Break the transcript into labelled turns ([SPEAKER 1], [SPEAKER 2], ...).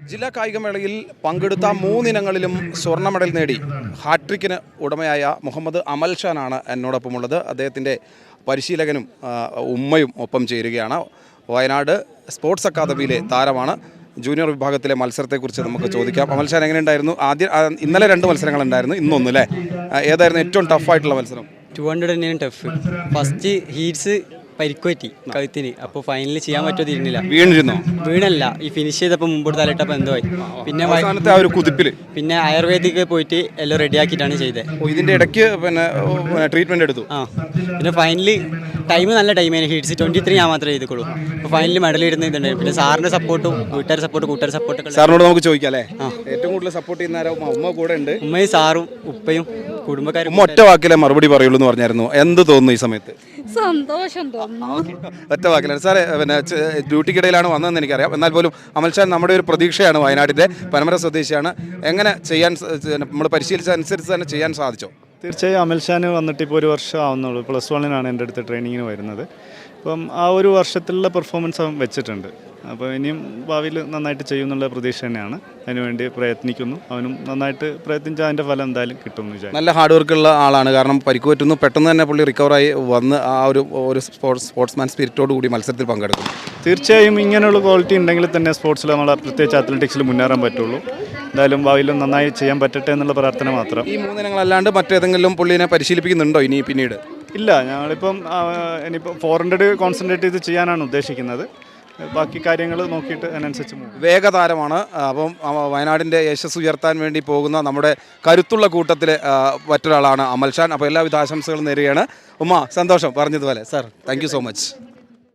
[SPEAKER 1] ജില്ലാ കായികമേളയിൽ പങ്കെടുത്ത 3 ഇനങ്ങളിലും സ്വർണ്ണ മെഡൽ നേടി ഹാട്രിക്കിന് ഉടമയായ മുഹമ്മദ് അമൽ ഷാനാണ് എന്നോടൊപ്പമുള്ളത്. അദ്ദേഹത്തിൻ്റെ പരിശീലകനും ഉമ്മയും ഒപ്പം ചേരുകയാണ്. വയനാട് സ്പോർട്സ് അക്കാദമിയിലെ താരമാണ്. ജൂനിയർ വിഭാഗത്തിലെ മത്സരത്തെക്കുറിച്ച് നമുക്ക് ചോദിക്കാം. അമൽ ഷാൻ എങ്ങനെയുണ്ടായിരുന്നു? ഇന്നലെ 2 മത്സരങ്ങളുണ്ടായിരുന്നു, ഇന്നൊന്നും അല്ലേ? ഏതായിരുന്നു ഏറ്റവും ടഫായിട്ടുള്ള മത്സരം?
[SPEAKER 2] 200 തന്നെയാണ് ടഫ്. ഫസ്റ്റ് ഹീറ്റ്സ് പരിക്കുപറ്റി കഴുത്തിന്. അപ്പോൾ ഫൈനലിൽ ചെയ്യാൻ പറ്റുമോ തിരിഞ്ഞില്ല. വീണല്ല, ഈ ഫിനിഷ് ചെയ്തപ്പോൾ മുമ്പോട്ട് തലയിട്ടപ്പോൾ എന്തോ ആയി. പിന്നെ
[SPEAKER 1] ആ ഒരു കുതിപ്പിൽ
[SPEAKER 2] പിന്നെ ആയുർവേദിക് പോയിട്ട് എല്ലാം റെഡിയാക്കിയിട്ടാണ് ചെയ്തത്.
[SPEAKER 1] ഇതിൻ്റെ ഇടയ്ക്ക് പിന്നെ ട്രീറ്റ്മെൻറ്റ് എടുത്തു.
[SPEAKER 2] പിന്നെ ഫൈനലിൽ ടൈം നല്ല ടൈമായിരുന്നു. ഹീറ്റ്സ് 23 ഞാൻ മാത്രമേ ചെയ്തുള്ളൂ. അപ്പോൾ ഫൈനലിൽ മെഡൽ ഇടുന്ന ഇതുണ്ടായിരുന്നു. പിന്നെ സാറിൻ്റെ സപ്പോർട്ടും കൂട്ടുകാർ സപ്പോർട്ടൊക്കെ
[SPEAKER 1] സാറിനോട് നമുക്ക് ചോദിക്കാം അല്ലേ? ഏറ്റവും കൂടുതൽ സപ്പോർട്ട് ചെയ്യുന്ന ആരോ? ഉമ്മ കൂടെ ഉണ്ട്.
[SPEAKER 2] ഉമ്മയും സാറും ഉപ്പയും കുടുംബക്കാരും.
[SPEAKER 1] ഒറ്റ വാക്കിലെ മറുപടി പറയുള്ളൂ എന്ന് പറഞ്ഞായിരുന്നു. എന്ത് തോന്നുന്നു ഈ സമയത്ത്?
[SPEAKER 3] സന്തോഷം തോന്നുന്നു.
[SPEAKER 1] ഒറ്റ വാക്കിലാണ് സാറേ. പിന്നെ ഡ്യൂട്ടിക്കിടയിലാണ് വന്നതെന്ന് എനിക്കറിയാം. എന്നാൽ പോലും അമൽഷാൻ നമ്മുടെ ഒരു പ്രതീക്ഷയാണ്. വയനാട്ടിൻ്റെ പനമര സ്വദേശിയാണ്. എങ്ങനെ ചെയ്യാൻ നമ്മൾ പരിശീലിച്ച അനുസരിച്ച് തന്നെ ചെയ്യാൻ സാധിച്ചോ?
[SPEAKER 4] തീർച്ചയായും അമൽഷാൻ വന്നിട്ട് ഇപ്പോൾ 1 വർഷം ആവുന്നുള്ളൂ. +1 എൻ്റെ അടുത്ത് ട്രെയിനിങ്ങിന് വരുന്നത്. അപ്പം ആ ഒരു വർഷത്തിലുള്ള പെർഫോമൻസ് അവൻ വെച്ചിട്ടുണ്ട്. അപ്പോൾ ഇനിയും ഭാവിയിൽ നന്നായിട്ട് ചെയ്യുന്നുള്ള പ്രതീക്ഷ തന്നെയാണ്. അതിനുവേണ്ടി പ്രയത്നിക്കുന്നു. അവനും നന്നായിട്ട് പ്രയത്നിച്ചാൽ അതിൻ്റെ ഫലം എന്തായാലും കിട്ടുമെന്ന് വിചാരിച്ചു.
[SPEAKER 1] നല്ല ഹാർഡ് വർക്കുള്ള ആളാണ്. കാരണം പരിക്ക് പറ്റുന്നു, പെട്ടെന്ന് തന്നെ പുള്ളി റിക്കവറായി വന്ന് ആ ഒരു സ്പോർട്സ്മാൻ സ്പിരിറ്റോട് കൂടി മത്സരത്തിൽ പങ്കെടുക്കും.
[SPEAKER 4] തീർച്ചയായും ഇങ്ങനെയുള്ള ക്വാളിറ്റി ഉണ്ടെങ്കിൽ തന്നെ സ്പോർട്സിൽ നമ്മൾ പ്രത്യേകിച്ച് അത്ലറ്റിക്സിൽ മുന്നേറാൻ പറ്റുള്ളൂ. എന്തായാലും ഭാവിയിലും നന്നായി ചെയ്യാൻ പറ്റട്ടെ എന്നുള്ള പ്രാർത്ഥന മാത്രം.
[SPEAKER 1] ഈ 3 ഇനങ്ങളല്ലാണ്ട് മറ്റേതെങ്കിലും പുള്ളിനെ പരിശീലിപ്പിക്കുന്നുണ്ടോ ഇനി പിന്നീട്?
[SPEAKER 4] ഇല്ല, ഞങ്ങളിപ്പം ഇനിയിപ്പം 400 കോൺസെൻട്രേറ്റ് ചെയ്ത് ചെയ്യാനാണ് ഉദ്ദേശിക്കുന്നത്. ബാക്കി കാര്യങ്ങൾ നോക്കിയിട്ട് അതിനനുസരിച്ച്
[SPEAKER 1] വേഗതാരമാണ്. അപ്പം വയനാടിൻ്റെ യശസ് ഉയർത്താൻ വേണ്ടി പോകുന്ന നമ്മുടെ കരുത്തുള്ള കൂട്ടത്തിൽ മറ്റൊരാളാണ് അമൽ ഷാൻ. അപ്പോൾ എല്ലാവിധ ആശംസകളും നേരുകയാണ്. ഉമ്മ, സന്തോഷം പറഞ്ഞതുപോലെ. Sir, thank you so much.